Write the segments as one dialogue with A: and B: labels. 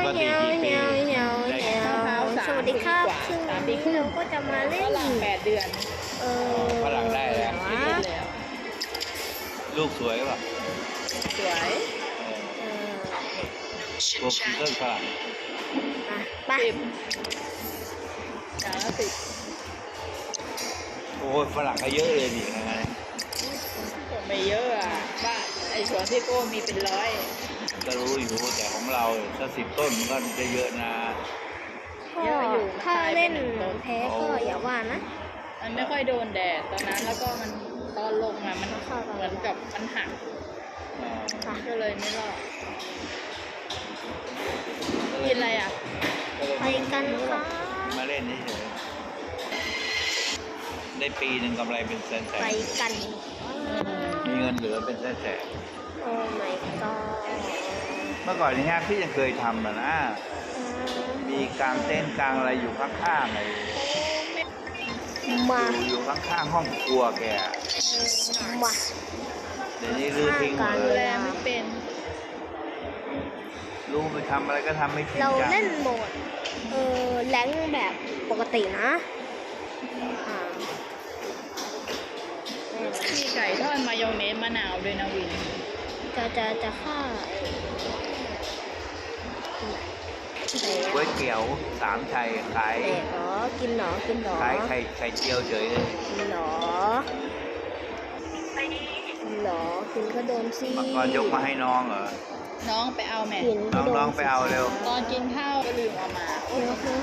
A: ปกติกี่ปีได้
B: สวัสดีครับซึ่งวันนี้เราก็จะมาเล่น
C: ฝรั่ง8 เดือน
A: ฝรั่งได้แล้ว
C: ไม่เล่นแล้ว
A: ลูกสวยป่ะ
C: สวย
A: ตัวพีเตอร์ฝรั่ง
B: ไป
C: 10อย่างละ10
A: โอ้ยฝรั่งก็เยอะเลยนี่นะ
C: ไม่เยอะอ่ะบ้านไอ้สวนพี่โก้มีเป็นร้อย
A: ก็รู้อยู่แต่ของเราถ้า10 ต้นมันก็จะเยอะนะ
B: ถ้าเล่นแพ้ก็อย่าว่านะ
C: มันไม่ค่อยโดนแดดตอนนั้นแล้วก็มันตอนลงอ่ะมันเหมือนกับมันหักก็เลยไม่รอดกินอะไรอ่ะ
B: ไปกันค่ะ
A: มาเล่นเฉยๆได้ปีหนึ่งกำไรเป็นแสน
B: ไปกัน
A: ๆมีเงินเหลือเป็นแสน
B: โอ้ my god
A: ๆเมื่อก่อนนี่ฮะพี่ยังเคยทำนะ มีกลางเต้นท์กลางอะไรอยู่ข้างๆเลย
B: มา
A: อยู่ข้างๆห้องครัวแก
B: มา
A: เดี๋ยวนี้รื้อทิ้งหมด
C: ดู
A: เล
C: แล
A: ย
C: ไม่เป็น
A: รู้ไปทำอะไรก็ทำไม่จริง
B: เรา
A: จัง
B: เล่นโหมดแรงแบบปกตินะอ่า
C: มีไก่ทอดมายองเนสมะนาวด้วยนะวิน
B: จะฆ่า
A: ก๋วยเตี๋ยวสามชัยขาย
B: เด็กเหรอกินเหรอกินเหรอ
A: ขายไข่เจียวเฉยเลย
B: กินเหรอกินเหรอกินก็โดนสิ
A: เมื่อก่อนยกมาให้น้องเหรอ
C: น้องไปเอาแม่
B: กินก็โดน
A: น้องๆไปเอาเร็ว
C: ตอนกินข้าวก็ลืมเอามา
B: เดี๋ยวคือ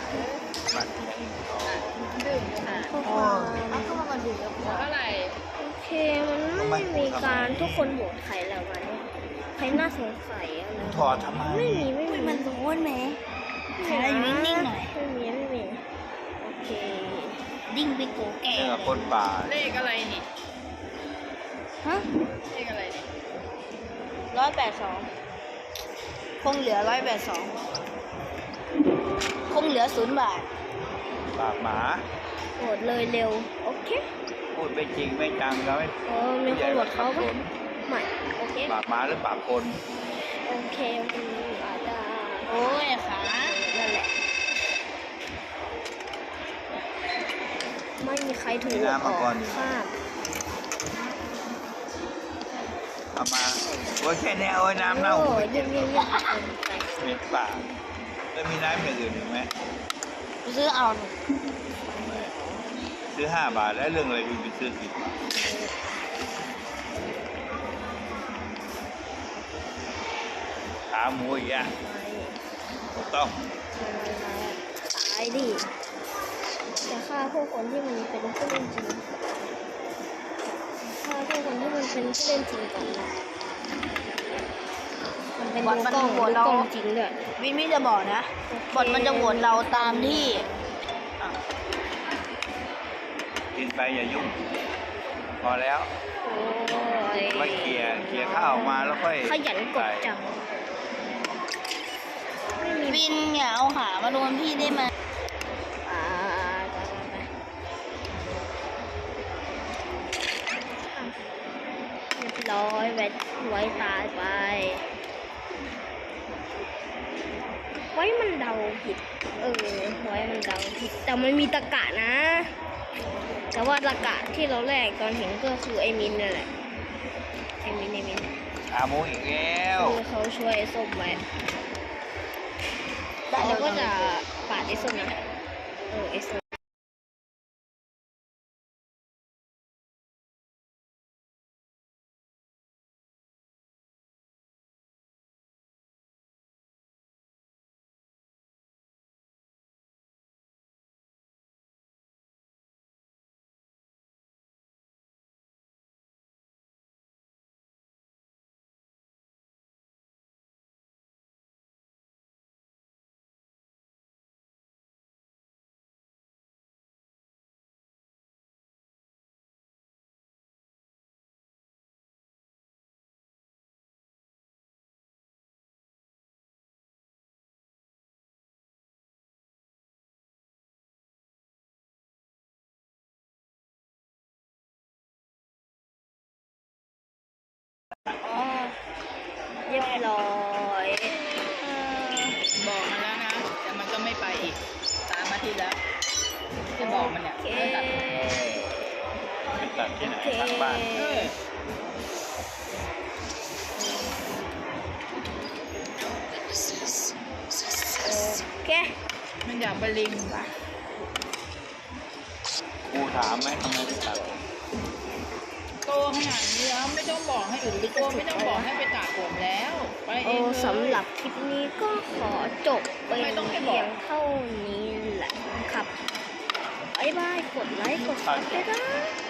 C: ดื่มค่ะ
B: ข้อความ
C: เอาเข้ามาดื่มแล้วเท่าไหร่
B: โอเคมันไม่มีการทุกคนโหวตใครแล้ววันนี้ใครน่าสงสัยอะไร
A: ถอดทำไม
B: ไม่มีมันร้อนไหมอยู่นิ่งๆหน่อยไม่มีโอเคดิ้งไปโกแก่
A: เรื่องกับคนป่า
C: เลขอะไรนี่
B: ฮะ
C: เลขอะไรนี่
B: 182คงเหลือ182คงเหลือ0 บาท
A: ปากหมา
B: โหวตเลยเร็วโอเค
A: พูดไม่จริงไม่จังแล้วไม่
B: มีคนโหวตเขาปะไม่โอเค
A: ปากหมาหรือปากคน
B: โอเคอาจจะ
C: โอ้ยขา
B: นั่นแหละไม่มีใครถูกออกข้าม
A: เอามาโอ้ยแค่นี้โอ้ยน้ำเน่า
B: โอ้ยเยี่ยมไป
A: เหม็นปากแล้วมีน้ำอย่างอื่นอีกไหม
B: ซื้อเอา
A: ซื้อ5 บาทแล้วเรื่องอะไรคุณไปซื้อ10 บาทขาหมูอีกอ่ะถูกต้อง
B: ตายดิจะฆ่าพวกคนที่มันเป็นผู้เล่นจริงฆ่าพวกคนที่มันเป็นผู้เล่นจริงก่อนนะมันเป็นดูกล้องจริงด้วย
D: วินไม่จะบอกนะ บอทมันจะโหวตเราตามที่
A: กินไปอย่ายุ่ง พอแล้ว
B: โอ้ย
A: มาเขี่ยข้าวออกมาแล้วค่อย
B: ขยันกดจังไม่มี
D: วินอย่าเอาขามาโดนพี่ได้ไหม
B: อ่าเรียบร้อยไว้ตายไป ไว้มันเดาผิด ไว้มันเดาผิด แต่มันมีตะกะนะ แต่ว่าตะกะที่เราแรกตอนเห็นก็คือไอ้มินนั่นแหละ ไอ้มิน
A: ขาหมูอีกแล้ว
B: คือเขาช่วยไอ้ส้มไว้แล้วก็จะปาดไอ้ส้มนะไอ้ส้ม
A: ตัดที่ไหน
B: โอเค
A: ข้างบ้าน
C: เออ
B: โอเค
C: มันอยากไปลิงปะ
A: ครูถามไหมทำไมไม่ตัด
C: โตขนาดนี้แล้วไม่ต้องบอกให้อื่นตัวไม่ต้องบอกให้ไปตัดผมแล้ว ไปเอ
B: โอ้
C: งเลย
B: สำหรับคลิปนี้ก็ขอจบไป
C: ทำไมต้องให้บ
B: เพี
C: อก
B: ยงเท่านี้แหละครับบ๊ายบาย กดไลค์ กดซับด้วยนะ